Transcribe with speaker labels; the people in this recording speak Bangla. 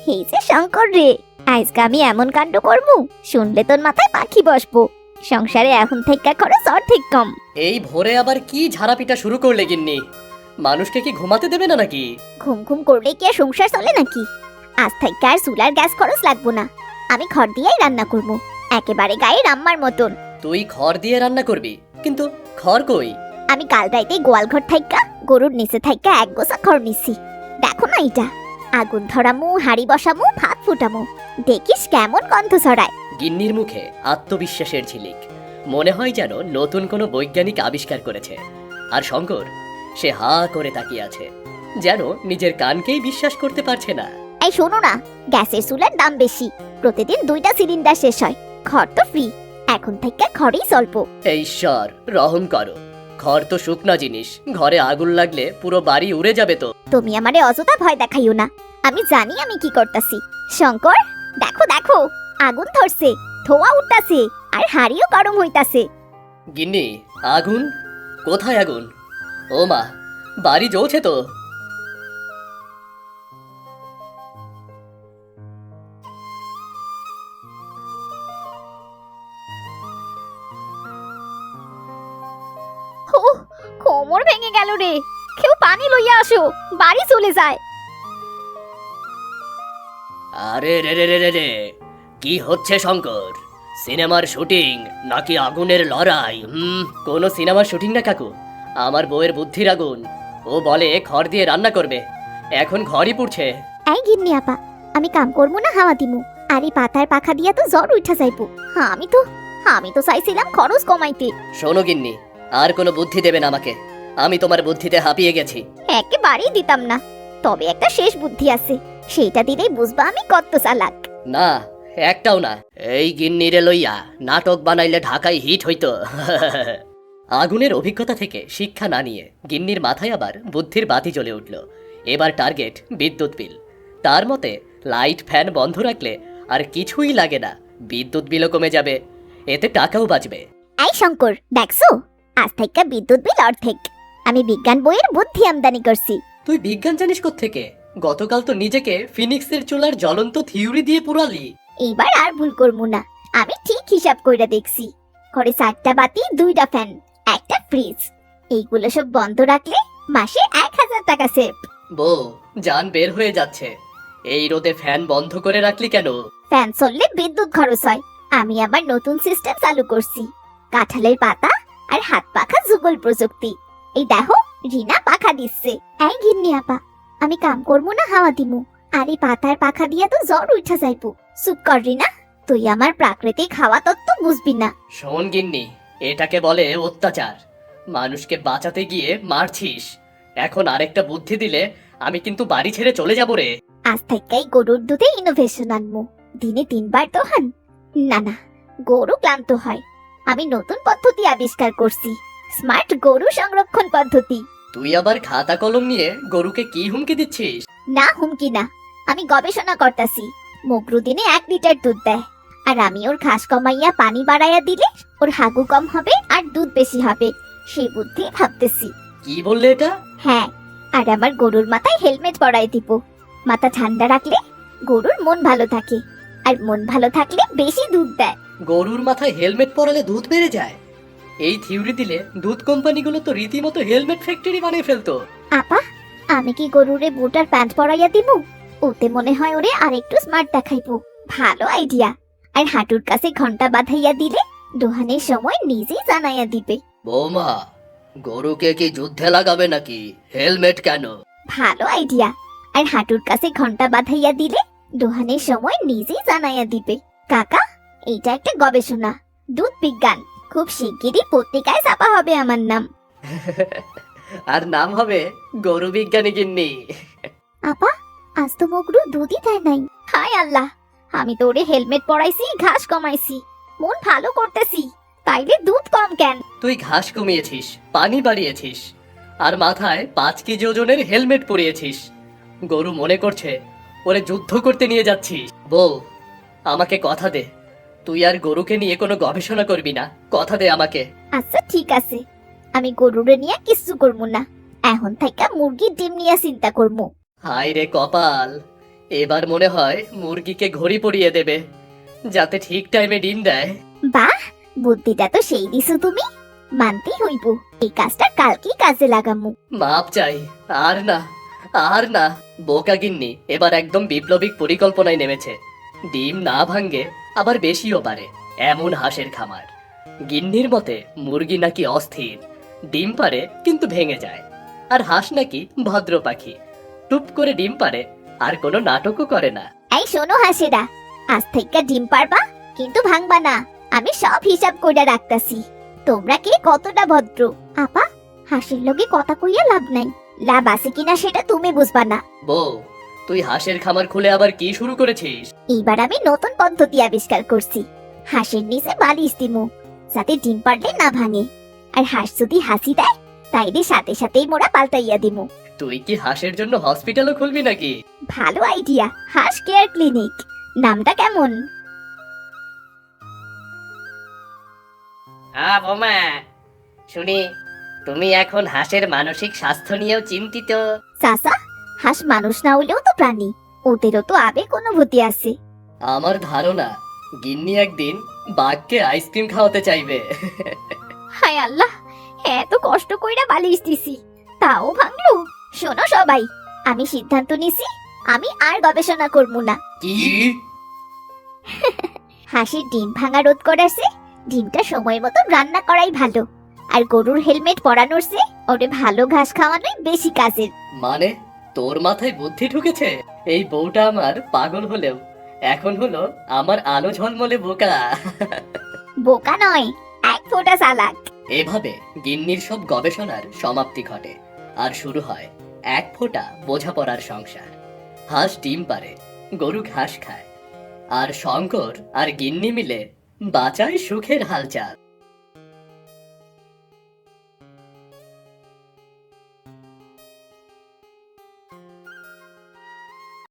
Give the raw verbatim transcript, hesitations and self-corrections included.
Speaker 1: এই যে শঙ্কর রে, আজকে আমি এমন কাণ্ড করবো শুনলে তোর মাথায় পাখি বসবো। সংসারে এখন থেকে খরচ অর্ধেক কম।
Speaker 2: এই ভোরে আবার কি ঝাড়াপিটা শুরু করলে গিন্নি? মানুষকে কি ঘুমাতে দেবে না নাকি?
Speaker 1: ঘুম ঘুম করলে কি আর সংসার চলে নাকি? আজ থেকে আর চুলার গ্যাস খরচ লাগবো না, আমি খড় দিয়েই রান্না করবো, একেবারে গায়ে রাম্মার মতন।
Speaker 2: তুই খড় দিয়ে রান্না করবি, কিন্তু খড় কই?
Speaker 1: আমি কাল রাইতে গোয়াল ঘর থাইকা গরুর নিচে থাইকা এক গোছা খড় নিছি। দেখো না এটা, আগুন ধরামু, হাড়ি বসামু, ভাত ফুটামু, দেখিস কেমন গন্ধ ছড়ায়।
Speaker 2: গিন্নির মুখে আত্মবিশ্বাসের ঝিলিক, মনে হয় যেন নতুন কোনো বৈজ্ঞানিক আবিষ্কার করেছে। আর শঙ্কর, সে হা করে তাকিয়ে আছে, যেন নিজের কানকেই বিশ্বাস করতে পারছে না।
Speaker 1: এই শোনো না, গ্যাসের চুলার দাম বেশি, প্রতিদিন দুইটা সিলিন্ডার শেষ হয়, খড় তো ফ্রি, এখন থেকে খড়ই চলব।
Speaker 2: এই ঈশ্বর রহম করো, খড় তো শুকনা জিনিস, ঘরে আগুন লাগলে পুরো বাড়ি উড়ে যাবে তো।
Speaker 1: তুমি আমারে অযথা ভয় দেখাইও না, আমি জানি আমি কি করতাছি। শঙ্কর, দেখো দেখো, আগুন ধরছে, ধোঁয়া উঠতাছে, আর হাড়িও গরম হইতাছে।
Speaker 2: গিন্নি, আগুন? কোথায় আগুন? ও মা, বাড়ি জ্বলছে তো।
Speaker 1: ও, কোমর ভেঙে গেল রে, কেউ পানি লইয়া আসো, বাড়ি চলে যায়।
Speaker 2: আরে রে রে রে রে রে, কি হচ্ছে শঙ্কর? সিনেমার শুটিং নাকি আগুনের লড়াই? হুম, কোনো সিনেমার শুটিং না কাকু, আমার বউয়ের বুদ্ধির আগুন। ও বলে খড় দিয়ে রান্না করবে, এখন ঘরই পুড়ছে।
Speaker 1: এই গিন্নি আপা, আমি কাম করবো না হাওয়া দিমু, আর এই পাতার পাখা দিয়া তো জ্বর উঠা যাইবো। হ্যাঁ, আমি তো আমি তো চাইছিলাম খরচ কমাইতে।
Speaker 2: শোনো গিন্নি, আর কোনো বুদ্ধি দেবেন আমাকে, আমি তোমার বুদ্ধিতে হাঁপিয়ে গেছি।
Speaker 1: একেবারেই দিতাম না, তবে একটা শেষ বুদ্ধি আছে, সেইটা দিলেই বুঝবা আমি কত চালাক।
Speaker 2: না, একটাও না। এই গিন্নিরে লইয়া নাটক বানাইলে ঢাকায় হিট হইতো। আগুনের অভিজ্ঞতা থেকে শিক্ষা না নিয়ে গিন্নির মাথায় আবার বুদ্ধির বাতি জ্বলে উঠল। এবার টার্গেট বিদ্যুৎ বিল। তার মতে লাইট ফ্যান বন্ধ রাখলে আর কিছুই লাগে না, বিদ্যুৎ বিলও কমে যাবে, এতে টাকাও বাঁচবে।
Speaker 1: এই শঙ্কর, দেখছো, আজ থেকে বিদ্যুৎ বিল অর্ধেক। আমি বিজ্ঞান বইয়ের বুদ্ধি আমদানি করছি।
Speaker 2: তুই বিজ্ঞান জানিস কোত্থেকে? গতকাল তো নিজেকে ফিনিক্সের চুলার জ্বলন্ত থিওরি দিয়ে পুরালি।
Speaker 1: এইবার আর ভুল করবো না, আমি ঠিক হিসাব কইরা দেখছি। ঘরে চারটা বাতি, দুইটা ফ্যান, একটা ফ্রিজ, এইগুলো সব বন্ধ রাখলে মাসে এক হাজার টাকা সেভ।
Speaker 2: বউ, জান বের হয়ে যাচ্ছে, এই রোদে ফ্যান বন্ধ করে রাখলি কেন?
Speaker 1: ফ্যান চললে বিদ্যুৎ খরচ হয়, আমি আবার নতুন সিস্টেম চালু করছি, কাঁঠালের পাতা আর হাত পাখা যুগল প্রযুক্তি। এই দেখো, রিনা পাখা দিচ্ছে। এই গিন্নি আপা, আমি কাম করবো না হাওয়া দিমু, আর এই পাতার পাখা দিয়া তো জ্বর উঠা যাইবো। চুপ কর রিনা, তুই আমার প্রাকৃতিক হাওয়া তত্ত্ব বুঝবি না।
Speaker 2: শোন গিন্নি, এটাকে বলে অত্যাচার, মানুষকে বাঁচাতে গিয়ে মারছিস। এখন আরেকটা বুদ্ধি দিলে আমি কিন্তু বাড়ি ছেড়ে চলে যাব রে।
Speaker 1: আজ থেকেই গরুর দুধে ইনোভেশন আনমু, দিনে তিনবার দোহান। না না, গরু ক্লান্ত হয়, আমি নতুন পদ্ধতি আবিষ্কার করছি, স্মার্ট গরু সংরক্ষণ পদ্ধতি।
Speaker 2: তুই আবার খাতা কলম নিয়ে গরুকে কি হুমকি দিচ্ছিস?
Speaker 1: না হুমকি না, আমি গবেষণা করতেছি। মগরু দিনে এক লিটার দুধ দেয়, আর আমি ওর ঘাস কমাইয়া পানি বাড়াইয়া দিলে ওর হাগু কম হবে আর দুধ বেশি হবে, সেই বুদ্ধি ভাবতেছি।
Speaker 2: কি বললে এটা?
Speaker 1: হ্যাঁ, আর আমার গরুর মাথায় হেলমেট পরাই দিব, মাথা ঠান্ডা রাখলে গরুর মন ভালো থাকে, আর মন ভালো থাকলে বেশি দুধ দেয়।
Speaker 2: গরুর মাথায় হেলমেট পরালে দুধ বেড়ে যায়? এই থিওরি দিলে দুধ কোম্পানিগুলো তো রীতিমতো হেলমেট ফ্যাক্টরি বানিয়ে ফেলতো।
Speaker 1: আপা, আমি কি গরুরে বুট আর প্যান্ট পরাইয়া দিব? ওতে মনে হয় ওরে আরেকটু স্মার্ট দেখাইবো। ভালো আইডিয়া। আর হাঁটুর কাছে ঘন্টা বাঁধাইয়া দিলে দোহানের সময় নিজেই জানাইয়া দিবে।
Speaker 2: বৌমা, গরুকে কি যুদ্ধে লাগাবে নাকি? হেলমেট কেন?
Speaker 1: ভালো আইডিয়া। আর হাঁটুর কাছে ঘন্টা বাঁধাইয়া দিলে দোহানের সময় নিজেই জানাইয়া দিবে। কাকা, এইটা একটা গবেষণা, দুধ বিজ্ঞান, খুব শিগগিরই পত্রিকায় ছাপা হবে আমার নাম।
Speaker 2: আর নাম হবে গরু বিজ্ঞানী গিন্নি।
Speaker 1: আপা, আজ তো মগরু দুধই দেয় নাই। হায় আল্লাহ, আমি তো ওরে হেলমেট পরাইছি, ঘাস কমাইছি, মন ভালো করতেছি, তাইলে দুধ কম কেন?
Speaker 2: তুই ঘাস কমিয়েছিস, পানি বাড়িয়েছিস, আর মাথায় পাঁচ কেজি ওজনের হেলমেট পরিয়েছিস। গরু মনে করছে ওরে যুদ্ধ করতে নিয়ে যাচ্ছিস। বউ, আমাকে কথা দে, তুই আর গরুকে নিয়ে কোনো গবেষণা করবি না, কথা দে আমাকে।
Speaker 1: আচ্ছা ঠিক আছে, আমি গরুরে নিয়ে কিচ্ছু করবো না, এখন থেকে মুরগির ডিম নিয়ে চিন্তা করবো।
Speaker 2: হায় রে কপাল, এবার মনে হয় মুরগিকে ঘড়ি পরিয়ে দেবে, যাতে ঠিক টাইমে ডিম দেয়।
Speaker 1: বাহ, বুদ্ধিটা তো সেই দিছো তুমি। মানতেই হইব, এই কাজটা কালকেই কাজে লাগামু।
Speaker 2: মাপ চাই, আর না, আর না। বোকা গিন্নি এবার একদম বিপ্লবিক পরিকল্পনায় নেমেছে। ডিম না ভাঙ্গে, আবার বেশিও পারে, এমন হাঁসের খামার। গিন্নির মতে মুরগি নাকি অস্থির, ডিম পারে কিন্তু ভেঙে যায়। আর হাঁস নাকি ভদ্র পাখি, টুপ করে ডিম পারে, আর কোনো নাটকও করে না।
Speaker 1: এই শোনো হাসেরা, আজ থেকে ডিম পারবা কিন্তু ভাঙবা না। আমি সব হিসাব কইরা রাখতাছি। তোমরা কে কতটা ভদ্র। আপা, হাসির লগে কথা কইয়া লাভ নাই। লাভ আছে কিনা সেটা তুমি বুঝবা না।
Speaker 2: বউ, তুই হাঁসের খামার খুলে আবার কি শুরু করেছিস?
Speaker 1: এইবার আমি নতুন পদ্ধতি আবিষ্কার করছি। হাঁসের নিচে বালিশ দিমু, যাতে ডিম পারলে না ভাঙে। আর হাঁস যদি হাসি দেয়, তাইলে সাথে সাথেই মোরা পাল্টাইয়া দিমু।
Speaker 2: তুই কি হাঁসের জন্য হসপিটালও খুলবি নাকি?
Speaker 1: ভালো আইডিয়া, হাঁস কেয়ার ক্লিনিক। নামটা কেমন?
Speaker 2: আ বোমা, শুনি তুমি এখন হাঁসের মানসিক স্বাস্থ্য নিয়েও চিন্তিত।
Speaker 1: চাচা, হাঁস মানুষ না হলেও তো প্রাণী, ওদেরও তো আবেগ অনুভূতি আছে।
Speaker 2: আমার ধারণা গিন্নি একদিন বাঘকে আইসক্রিম খাওয়াতে চাইবে।
Speaker 1: হায় আল্লাহ, এত কষ্ট কইরা বালিশ দিছি, তাও ভাঙলো। শোনো সবাই, আমি সিদ্ধান্ত নিছি, আমি আর গবেষণা করব না।
Speaker 2: কি?
Speaker 1: হাঁসের ডিম ভাঙা রোধ করাছে, ডিমটা সময় মতো রান্না করাই ভালো। আর গরুর হেলমেট পরানোর চেয়ে ওরে ভালো ঘাস খাওয়ানোই বেশি কাজের।
Speaker 2: মানে তোর মাথায় বুদ্ধি ঢুকেছে? এই বউটা আমার পাগল হলেও এখন হলো আমার আলো ঝলমলে বোকা।
Speaker 1: বোকা নয়, এক ফোঁটা চালাক।
Speaker 2: এভাবে গিন্নির সব গবেষণার সমাপ্তি ঘটে, আর শুরু হয় এক ফোঁটা বোঝাপড়ার সংসার। হাঁস ডিম পারে, গরু ঘাস খায়, আর শঙ্কর আর গিন্নি মিলে বাঁচায় সুখের হালচাল।